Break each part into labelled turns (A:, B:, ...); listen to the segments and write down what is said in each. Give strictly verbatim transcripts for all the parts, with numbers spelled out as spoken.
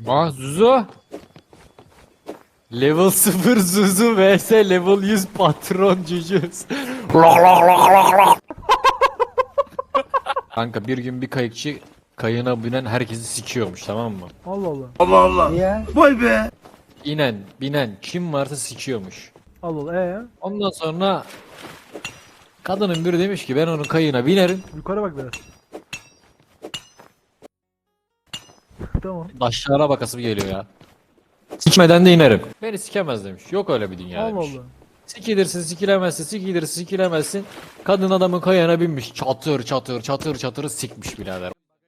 A: Aa Zuzu. Level sıfır Zuzu vs level yüz patron cücüz. Kanka bir gün bir kayıkçı kayığına binen herkesi sikiyormuş, tamam mı?
B: Allah Allah.
C: Allah Allah.
B: Niye?
C: Vay be.
A: İnen, binen kim varsa sikiyormuş.
B: Allah Allah. Ee?
A: Ondan sonra kadının biri demiş ki ben onun kayığına binerim.
B: Yukarı bak biraz. Tamam.
A: Aşağıya bakasım geliyor ya. Sikmeden de inerim. Beni sikemez demiş. Yok öyle bir dünya
B: Allah
A: demiş.
B: Allah.
A: Sikilirsin sikilemezsin sikilirsin sikilemezsin. Kadın adamın kayığına binmiş. Çatır çatır çatır çatır sikmiş birader.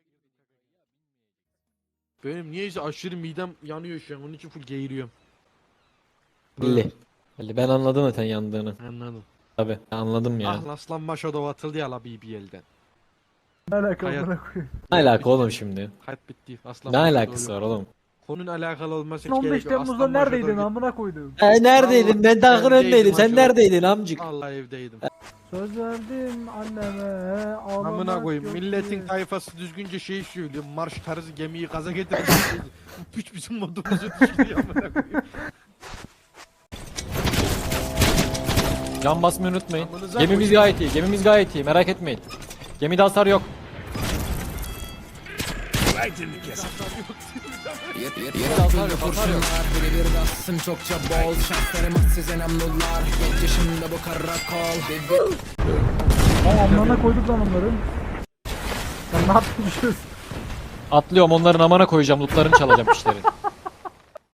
D: Benim niyeyse aşırı midem yanıyor şu an. Onun için full geğiriyorum.
A: Belli. Belli. Ben anladım zaten yandığını.
D: Anladım.
A: Tabi anladım ya.
D: Ah Aslan Maşadov atıldı ya la B B L'den.
B: Ne alaka
D: Hayat-
B: amına koyayım.
A: Ne alaka oğlum şimdi?
D: Hayat bitti. Aslan
A: Ne
D: Maşadov
A: alakası
D: yok.
A: var oğlum?
D: Konunun alakalı olması hiç
B: on beş
D: gerek yok.
B: Temmuz'da
D: Aslan
B: neredeydin
D: Maşadov
B: amına koydum.
A: E neredeydin? Ben takın
D: Evdeydim
A: öndeydim. Sen
D: hacı.
A: neredeydin amcık?
D: Allah evdeydim.
B: Söz verdim anneme ağlamak
D: Amına koyayım.
B: yok
D: Milletin
B: diye.
D: tayfası düzgünce şey söylüyor. Marş tarzı gemiyi gaza getirmiş. Piç bizim modumuzu düşürüyor amına koyayım.
A: Can basmayı unutmayın.
D: Amınıza
A: Gemimiz
D: koyayım.
A: gayet iyi. Gemimiz gayet iyi. Merak etmeyin. Gemide hasar yok.
E: Yaratılı kurşunlar birebir bassın çokça bol şanslarım size namlular genç yaşımda bu karakol
B: Aa amına koyduk lan onları. Sen ne yapmışız?
A: Atlıyorum onların amana koyacağım. Lootlarını çalacağım işleri.